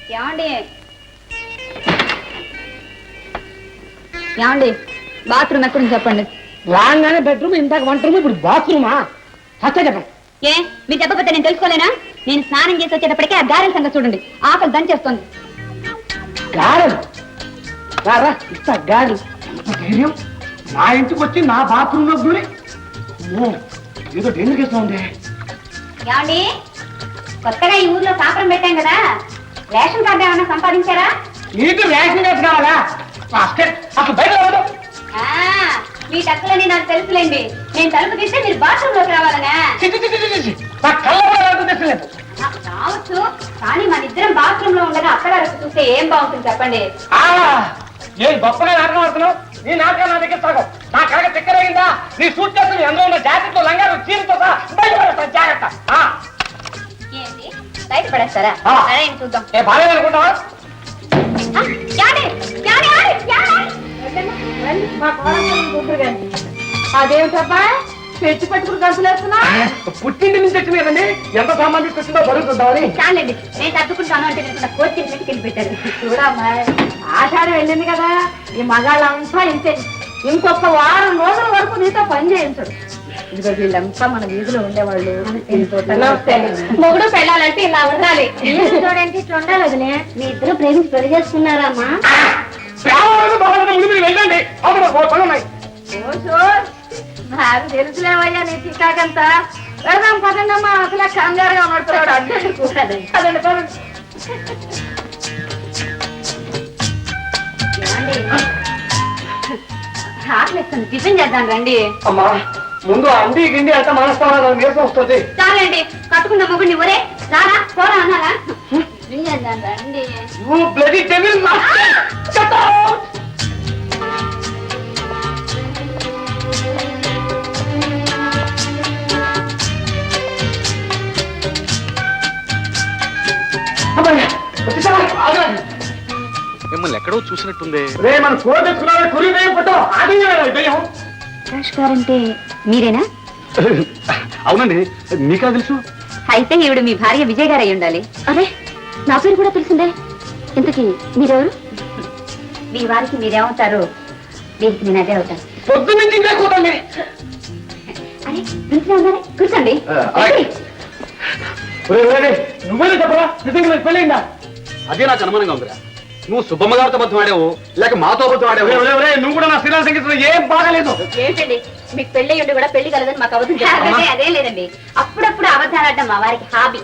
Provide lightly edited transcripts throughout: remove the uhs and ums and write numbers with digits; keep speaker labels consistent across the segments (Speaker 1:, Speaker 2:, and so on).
Speaker 1: ఏమండి ఏమండి బాత్రూమ్ ఎక్కడుంది చెప్పండి.
Speaker 2: రాగానే బెడ్రూమ్, ఇందాక వంట రూమ్, ఇప్పుడు బాత్రూమా? సత్య చెప్పండి.
Speaker 1: ఏ మీరు చెప్పకపోతే నేను తెలుసుకోలేనా? నేను స్నానం చేసి వచ్చేటప్పటికే ఆ గారెల సంగతి చూడండి, ఆకలి దంచేస్తుంది.
Speaker 2: గారెలు రారా ఇస్తా గారెలు. ఎంత ధైర్యం! నా ఇంటికి వచ్చి నా బాత్రూమ్ లో దూరి ఏదో డేంజర్ కేసు ఉంది.
Speaker 1: ఏమండి కొత్తగా ఈ ఊర్లో కాపురం పెట్టాం కదా, రేషన్ కార్డు ఏమన్నా సంపాదించారా?
Speaker 2: నీకు రేషన్ కార్డు కావాలా? అసలు బయట రావడం.
Speaker 1: మీ టక్కులని నాకు తెలుసులేండి. నేను తలుపు తీస్తే మీరు బాత్రూమ్ లోకి రావాలనా?
Speaker 2: నా కళ్ళ కూడా రావట్లేదు.
Speaker 1: రావచ్చు, కానీ మన ఇద్దరం బాత్రూమ్ లో ఉండగా అత్తగారు చూస్తే ఏం బాగుంటుంది చెప్పండి.
Speaker 2: నేను గొప్పగా నాటకం ఆడుతున్నావు. నీ నాటకం నా దగ్గర సాగం. నా కడగ చక్కరగిందా? నీ సూట్ చేస్తుంది అందులో ఉన్న జాకెట్లు, లంగాలు, చీరతో బయట పడేస్తాను. జాగ్రత్త.
Speaker 1: ఏంటి బయట పడేస్తారా? అదే చూద్దాం.
Speaker 2: బాగా అనుకుంటావా?
Speaker 1: అదేమిటబ్బా పెట్టి పెట్టుకుని గంతులు వేస్తున్నా?
Speaker 2: పుట్టింటి నుంచి వచ్చింది కదండి, ఎంత సామాన్ తీసుకొచ్చిందో బరువుతుందామని.
Speaker 1: చాలండి, నేను తట్టుకుంటాను అంటే కోచి పెట్టుకెళ్ళి పెట్టారు. చూడమ్మా, ఆషాఢం వెళ్ళింది కదా, ఈ మగాళ్ళంతా ఇంతే. ఇంకొక వారం రోజుల వరకు నీతో పని చేయించడు. ఇదిగో వీళ్ళంతా మన వీధిలో ఉండేవాళ్ళు. మొగుడు పెళ్ళాలంటే ఇలా ఉండాలి. చూడండి ఇట్లా ఉండాలి. వదిలే, మీ ఇద్దరు ప్రేమించి పెళ్లి చేసుకున్నారమ్మా?
Speaker 2: వెళ్ళండి.
Speaker 1: నాకు తెలుసులేవయ్యా నీ చికాకంతా. వెళ్దాం పదండి అమ్మా, అసలు కంగారుగా ఉన్నట్టున్నాడు. అదండి పదండి. ఆకలిస్తుంది, టిఫిన్ చేద్దాం రండి.
Speaker 2: అమ్మా ముందు అండి గిండి అంతా మనస్తామా నీరసం వస్తుంది.
Speaker 1: చాలండి, కట్టుకున్న మొగుడిని ఒరే రారా పోరా అన్నారా? టిఫిన్ చేద్దాం రండి.
Speaker 3: మిమ్మల్ని ఎక్కడో చూసినట్టుంది.
Speaker 2: మన కూర తెచ్చుకున్నా కురి ఫోటో
Speaker 1: గారంటే మీరేనా?
Speaker 3: అవునండి, మీకా తెలుసు?
Speaker 1: అయితే ఈవిడ మీ భార్య విజయ్ గారు అయి ఉండాలి. అదే నా పేరు కూడా తెలిసిందే. ఇంతకీ మీరెవరు? మీ వారికి మీరేమవుతారు? వీరికి నేను అదే అవుతాను.
Speaker 2: పొద్దు నుంచి ఇంకా కూతండి.
Speaker 1: అరే కూర్చోండి.
Speaker 2: నువ్వే చెప్పరా, నిజంగా పెళ్ళయిందా?
Speaker 3: అదే నాకు అనుమానంగా ఉందిరా. నువ్వు సుబ్బమ్మ గారితో బద్దం ఆడావు లేక మాతో బద్దం ఆడావు?
Speaker 2: నువ్వు కూడా నా శ్రీరామ సంగీతంలో ఏం బాగాలేదు.
Speaker 1: ఏంటండి మీకు పెళ్లి ఉండి కూడా పెళ్లి కలదని మాకు అబద్ధం? అదే లేదండి, అప్పుడప్పుడు అబద్ధాలు ఆడటం మా వారికి హాబీ.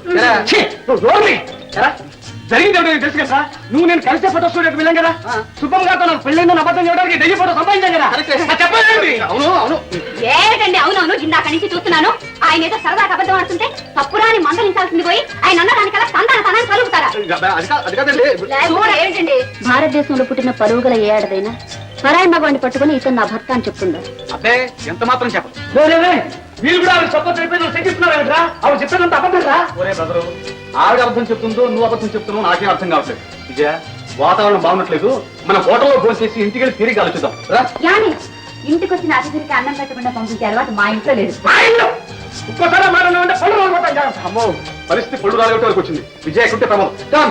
Speaker 2: జరిగింది తెలుసు కదా, నువ్వు నేను కలిసే ఫోటో స్టూడియోకి వెళ్ళాం కదా, సుబ్బమ్మ గారితో నాకు పెళ్ళైందని అబద్ధం చేయడానికి డెయ్యి ఫోటో సంపాదించాం కదా. చెప్పండి. అవును అవును.
Speaker 1: ఏమిటండి అవునవును, ఇందాక నుంచి చూస్తున్నాను. ఆయన ఏదో సరదాగా అబద్ధం ఆడుతుంటే తప్పురాని మందలించాల్సింది పోయి ఆయన అన్నదానికల్లా సంతానాన్ని కలుగుతారా? ఏమిటండి భారతదేశంలో పుట్టిన పరుగుల ఏ ఆడదైనా పరాయి మగవాడిని పట్టుకుని ఇతను నా భర్త అని చెప్తుందా?
Speaker 3: అబ్బే ఎంత మాత్రం చెప్పదు.
Speaker 2: మీరు కూడా ఆవిడ సొంత చెప్పి శంకిస్తున్నారా? ఆవిడ చెప్పినంత అబద్ధం రా.
Speaker 3: ఒరే బ్రదరు, ఆవిడ అబద్ధం చెప్తుందో నువ్వు అబద్ధం చెప్తున్నావు నాకేం అర్థం కావట్లేదు. విజయ, వాతావరణం బాగున్నట్లేదు, మన హోటల్లో భోజనం చేసి ఇంటికి వెళ్ళి తిరిగి ఆలోచిద్దాం.
Speaker 1: ఇంటికి వచ్చిన అతిథికి అన్నం పెట్టకుండా పంపించే అలవాటు మా ఇంట్లో లేదు.
Speaker 2: ఇంకోసారి
Speaker 3: అమ్మో, పరిస్థితి పళ్ళు రాలగొట్టే వరకు వచ్చింది. విజయ ఎక్కడుంటే ప్రమాదం.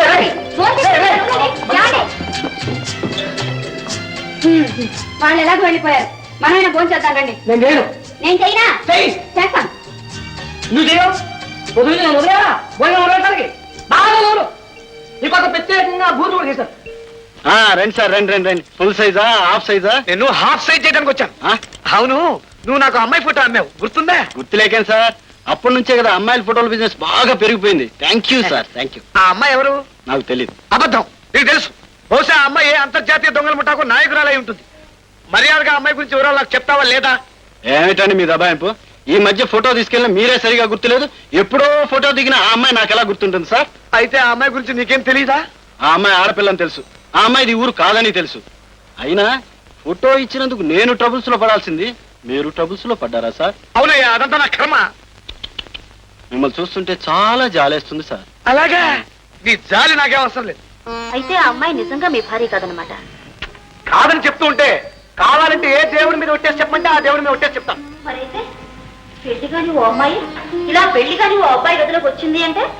Speaker 1: వాళ్ళు ఎలాగో వెళ్ళిపోయారు, మనమైనా భోజనం చేద్దాం రండి. నేను చేయనా? చేస్తాను.
Speaker 2: నువ్వు చేయవు, వదిలేదా భోజనం వదలటానికి బాగా లోను. నీకు ప్రత్యేకంగా భూమి కూడా చేశారు.
Speaker 3: రండి సార్, రండి రండి రండి. ఫుల్ సైజా హాఫ్ సైజా?
Speaker 2: నేను హాఫ్ సైజ్ చేయడానికి వచ్చాను. అవును, నువ్వు నాకు అమ్మాయి ఫోటో అమ్మావు, గుర్తుందా?
Speaker 3: గుర్తులేకేం సార్, అప్పటి నుంచే కదా అమ్మాయిల ఫోటోల బిజినెస్ బాగా పెరిగిపోయింది. Thank you sir, thank you.
Speaker 2: ఆ అమ్మాయి ఎవరు?
Speaker 3: నాకు తెలియదు.
Speaker 2: అబద్ధం, నీకు తెలుసు. బహుశా ఆ అమ్మాయి అంతర్జాతీయ దొంగల ముఠాకు నాయకురాలై ఉంటుంది. మర్యాదగా అమ్మాయి గురించి వివరాలు నాకు చెప్తావా లేదా?
Speaker 3: ఏమిటండి మీ దబాయింపు? ఈ మధ్య ఫోటో తీసుకెళ్ళిన మీరే సరిగా గుర్తులేదు. ఎప్పుడో ఫోటో దిగిన ఆ అమ్మాయి నాకు ఎలా గుర్తుంటుంది సార్?
Speaker 2: అయితే ఆ అమ్మాయి గురించి నీకేం తెలీదా?
Speaker 3: ఆ అమ్మాయి ఆడపిల్లని తెలుసు, ఆ అమ్మాయిది ఊరు కాదని తెలుసు. అయినా ఫోటో ఇచ్చినందుకు నేను ట్రబుల్స్ లో పడాల్సింది, మీరు ట్రబుల్స్ లో పడ్డారా సార్?
Speaker 2: అవునయ్యా, అదంతా నా కర్మ.
Speaker 3: మిమ్మల్ని చూస్తుంటే చాలా జాలేస్తుంది సార్.
Speaker 2: అలాగా? నీ జాలి నాకేం అవసరం లేదు.
Speaker 1: అయితే ఆ అమ్మాయి నిజంగా మీ భార్య కాదనమాట?
Speaker 2: కాదని చెప్తూ ఉంటే, కావాలంటే ఏ దేవుడి మీద ఒట్టేసి చెప్పమంటే ఆ దేవుడి మీద ఒట్టేసి చెప్తాను.
Speaker 1: మరైతే పెళ్లి కాని ఓ అమ్మాయి ఇలా పెళ్లి కాని ఓ అబ్బాయి గదిలోకి వచ్చింది అంటే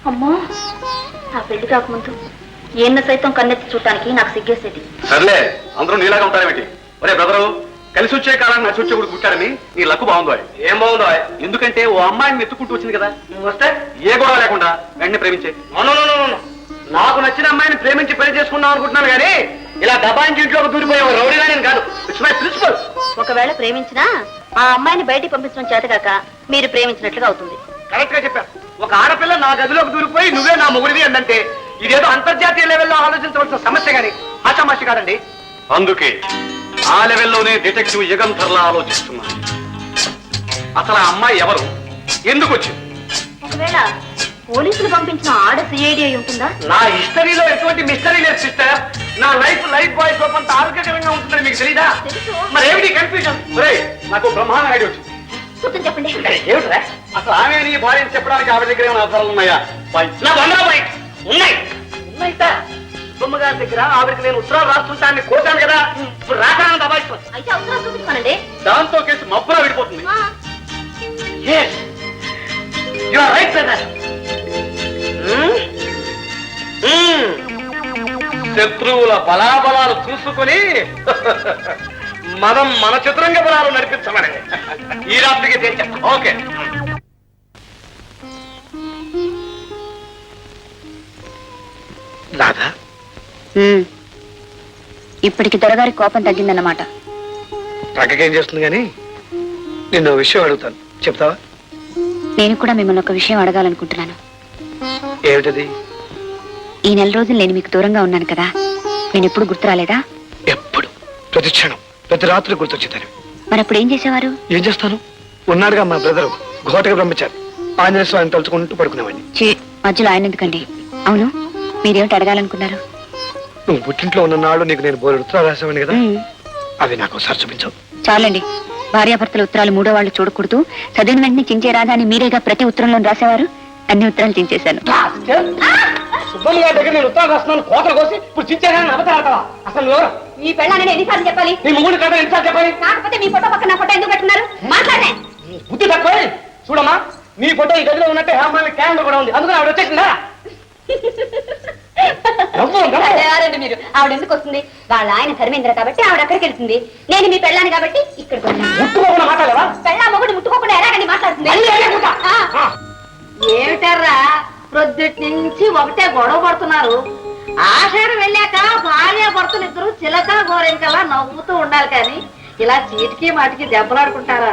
Speaker 1: అమ్మో ఆ పెళ్లి కాకముందు ఏన్న సైతం కన్నెత్తి చూడటానికి నాకు సిగ్గేసేది.
Speaker 3: సర్లే అందరూ నీలాగా ఉంటారేమిటి? ఒరే బ్రదరు, కలిసి వచ్చే కాలాన్ని నచ్చి వచ్చే కూడా పుట్టారని నీ లక్కు బాగుందో. ఏం బాగుందో? ఎందుకంటే ఓ అమ్మాయిని ఎత్తుకుంటూ వచ్చింది కదా, నువ్వు వస్తే ఏ గొడవ లేకుండా వెంటనే ప్రేమించే. నాకు నచ్చిన అమ్మాయిని ప్రేమించి పెళ్లి చేసుకుందాం అనుకుంటున్నాను కానీ ఇలా దబాయించి ఇంట్లోకి దూరిపోయే రౌడీగా నేను కాదు. It's my principle.
Speaker 1: ఒకవేళ ప్రేమించినా ఆ అమ్మాయిని బయటికి పంపించడం చేతగాక మీరు ప్రేమించినట్లుగా అవుతుంది.
Speaker 3: కరెక్ట్ గా చెప్పాను. ఒక ఆడపిల్ల నా గదిలోకి దూరిపోయి నువ్వే నా మొగుడివి అందంటే ఇదేదో అంతర్జాతీయ లెవెల్లో ఆలోచించవలసిన సమస్య గాని ఆశామాషి కాదండి. అందుకే ఆ లెవెల్లోనే డిటెక్టివ్ యుగంధర్లా ఆలోచిస్తున్నాను. అసలు ఆ అమ్మాయి ఎవరు, ఎందుకు వచ్చింది?
Speaker 1: ఒకవేళ పోలీసులు పంపించిన ఆడ సిఐడి అయి ఉంటుందా?
Speaker 3: నా హిస్టరీలో ఎటువంటి మిస్టరీ లేదు సిస్టర్. నా లైఫ్ బాయ్ సోప్ అంత ఆరోగ్యకరంగా ఉంటుందని మీకు తెలీదా?
Speaker 1: తెలుసు.
Speaker 3: మరి ఏమిటి కన్ఫ్యూజన్? నాకు బ్రహ్మాండ ఐడియా వచ్చింది.
Speaker 1: కూర్చొని చెప్పండి.
Speaker 3: ఏమిట్రా అసలు ఆమె నీ భార్యని చెప్పడానికి ఆవిడ దగ్గర ఏమైనా ఆధారాలు ఉన్నాయా? నా 100 పాయింట్స్ ఉన్నాయి. ఉన్నాయిట బొమ్మగారి దగ్గర ఆవిడకి నేను ఉత్తరాలు రాస్తుంటాన్ని కోసాను కదా, ఇప్పుడు రాకాలను దబాయిస్తాను.
Speaker 1: అయితే అవసరం చూపించుకోనండి.
Speaker 3: దాంతో కేసు మబ్బులా విడిపోతుంది. Yes, you are right, brother. శత్రువుల బలాబలాలు చూసుకుని మనం మన చతురంగ బలాలు నడిపించమని ఈ రాత్రికి తేల్చాం. ఓకే. రాధా,
Speaker 1: ఇప్పటికి దొరగారి కోపం తగ్గిందన్నమాట.
Speaker 3: ప్రక్కకేం చేస్తుంది కానీ నిన్ను విషయం అడుగుతాను, చెప్తావా?
Speaker 1: నేను కూడా మిమ్మల్ని ఒక విషయం అడగాలనుకుంటున్నాను.
Speaker 3: ఏమిటది?
Speaker 1: ఈ నెల రోజులు నేను మీకు దూరంగా ఉన్నాను కదా, నేను ఎప్పుడు గుర్తు రాలేదా?
Speaker 3: ఎప్పుడు, ప్రతి క్షణం, ప్రతి రాత్రి గుర్తొచ్చేదాన్ని.
Speaker 1: మరి అప్పుడు ఏం చేసేవారు?
Speaker 3: ఏం చేస్తాను, ఉన్నాడుగా మా బ్రదరు ఘోటగా బ్రహ్మచారి, ఆంజనేయ స్వామిని తలుచుకుంటూ పడుకునేవాడిని.
Speaker 1: మధ్యలో ఆయన ఎందుకండి? అవును, మీరేమిటి అడగాలనుకున్నారు?
Speaker 3: నువ్వు పుట్టింట్లో ఉన్న నాడు నీకు నేను బోరు ఉత్తరాలు రాసేవాడిని కదా, అవి నాకు ఒకసారి చూపించవు.
Speaker 1: చాలండి, భార్యాభర్తల ఉత్తరాలు మూడో వాళ్ళు చూడకూడదు, చదివిన వెంటనే చించే రాదా అని మీరేగా ప్రతి ఉత్తరంలో రాసేవారు. అన్ని ఉత్తరాలు చించేశాను.
Speaker 3: సుబ్బమ్మ గారి దగ్గర నేను ఉత్తరాలు రాస్తున్నాను, కోతలు కోసి ఇప్పుడు చించేదాన్ని అబద్ధాలు. అసలు ఎవరు
Speaker 1: మీ పెళ్ళాన్ని ఎన్నిసార్లు చెప్పాలి?
Speaker 3: నీ ముగ్గురు కదా ఎన్నిసార్లు చెప్పాలి?
Speaker 1: కాకపోతే మీ ఫోటో పక్కన నా ఫోటో ఎందుకు పెట్టున్నారు? మాట్లాడే
Speaker 3: బుద్ధి తక్కువ. చూడమ్మా, నీ ఫోటో ఈ గదిలో ఉన్నట్టే హేమాలి క్యాలెండర్ కూడా ఉంది, అందుకని ఆవిడ వచ్చేసిందా?
Speaker 1: మీరు ఆవిడ ఎందుకు వస్తుంది? వాళ్ళ ఆయన ధర్మేంద్ర కాబట్టి ఆవిడ అక్కడికి వెళ్తుంది. నేను మీ పెళ్ళాన్ని కాబట్టి ఇక్కడికి
Speaker 3: ముట్టుకోకుండా మాట్లాడవా?
Speaker 1: పెళ్ళా మొగుడు ముట్టుకోకుండా ఎలాగండి మాట్లాడుతుంది? ఏమిటారా ప్రొద్దుటి నుంచి ఒకటే గొడవ పడుతున్నారు. ఆషాఢం వెళ్ళాక భార్య భర్తలు ఇద్దరు చిలక గోరెంకలా నవ్వుతూ ఉండాలి కానీ ఇలా చీటికి మాటికి దెబ్బలాడుకుంటారా?